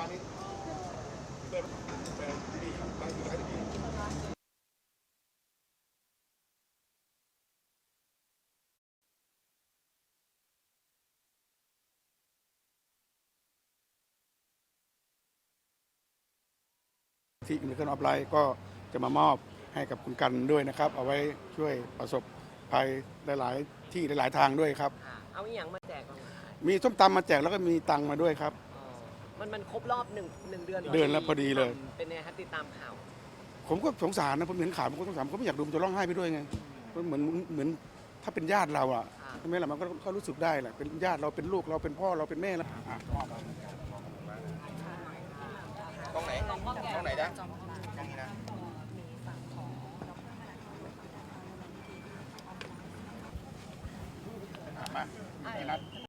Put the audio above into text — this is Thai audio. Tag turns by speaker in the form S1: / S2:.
S1: นี้เปิดดีครับบางทีก็จะดีที่อินเตอร์ออฟไลน์ก็จะมามอบให้กับคุณกันด้วยนะครับเอาไว้ช่วยประสบภัยหลายๆที่หลายๆทางด้วยครับ
S2: เอาอีหยังมาแจกบ้าง
S1: มีส้มตำมาแจกแล้วก็มีตังค์มาด้วยครับ
S2: มันครบรอบหนึ่งเดือน
S1: เดือนแล้วพอดีเลย
S2: เป็นไงครับติดตามข่าว
S1: ผมก็สงสารนะผมเห็นข่าวผมก็สงสารผมก็ไม่อยากดูมันจะร้องไห้ไปด้วยไงเหมือนถ้าเป็นญาติเราอ่ะใช่ไหมล่ะมันก็รู้สึกได้แหละเป็นญาติเราเป็นลูกเราเป็นพ่อเราเป็นแม่แล้วตรงไหนนะตรงนี้นะมา